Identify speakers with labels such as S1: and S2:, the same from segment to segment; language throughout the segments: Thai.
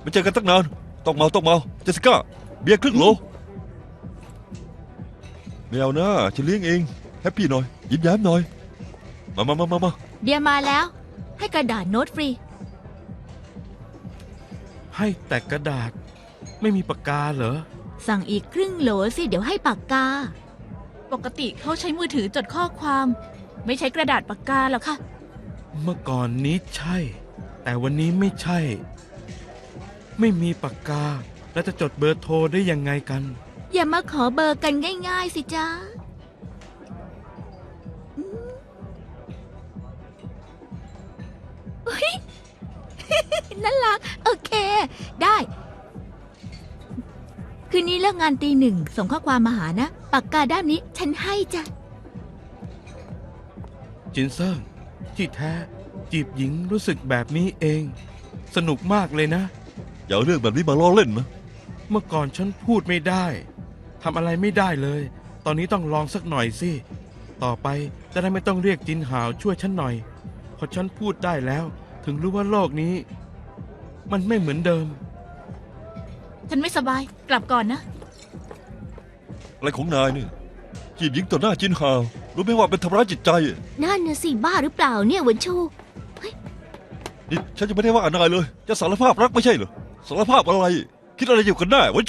S1: ไม่เจอกันตั้งนานต้องเมาเจสสิก้าเบียร์ครึ่งโหลไม่เอานะฉันเลี้ยงเองแฮปปี้หน่อยยิ้มแย้มหน่อยมา
S2: เบียร์มาแล้ว ให้กระดาษโน้ตฟรี
S3: ให้แต่กระดาษไม่มีปากกาเหรอ
S2: สั่งอีกครึ่งโหลสิเดี๋ยวให้ปากกา
S4: ปกติเขาใช้มือถือจดข้อความ ไม่ใช้กระดาษปากกาหรอกค่ะ
S3: เมื่อก่อนนี้ใช่ แต่วันนี้ไม่ใช่ ไม่มีปากกาแล้วจะจดเบอร์โทรได้ยังไงกัน
S2: อย่ามาขอเบอร์กันง่ายๆสิจ๊ะอุ๊ย น่ารัก โอเค ได้ คืนนี้เลิกงานตี 1ส่งข้อความมาหานะ ปากกาด้ามนี้ฉันให้จ้ะ
S3: จินเซิงที่แท้จีบหญิงรู้สึกแบบนี้เอง สนุกมากเลยนะ
S1: อย่าเอาเรื่องแบบนี้มาล้อเล่นนะ
S3: เมื่อก่อนฉันพูดไม่ได้ทำอะไรไม่ได้เลย ตอนนี้ต้องลองสักหน่อยสิ ต่อไปจะได้ไม่ต้องเรียกจินหาวช่วยฉันหน่อยพอฉันพูดได้แล้ว ถึงรู้ว่าโลกนี้ มันไม่เหมือนเดิม
S4: ฉันไม่สบาย กลับก่อนนะ
S1: อะไรของนายเนี่ยจีบหญิงต่อหน้าจินฮาวรู้ไหมว่าเป็นทำร้ายจิตใจ
S2: นั่นน่ะสิบ้าหรือเปล่าเนี่ยหวนชู
S1: นี่ฉันจะไม่ได้ว่านายเลย จะสารภาพรักไม่ใช่เหรอสารภาพอะไร คิดอะไรอยู่กันแน่วันชู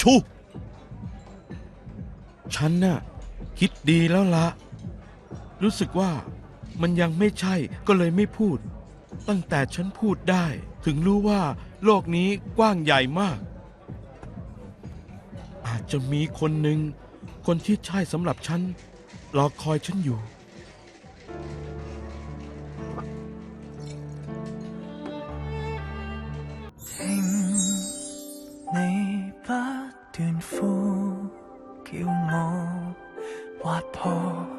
S3: ฉันน่ะคิดดีแล้วละรู้สึกว่ามันยังไม่ใช่ก็เลยไม่พูด ตั้งแต่ฉันพูดได้ ถึงรู้ว่าโลกนี้กว้างใหญ่มาก อาจจะมีคนหนึ่งคนที่ใช่สำหรับฉันรอคอยฉันอยู่
S5: 聽你不斷呼叫我劃破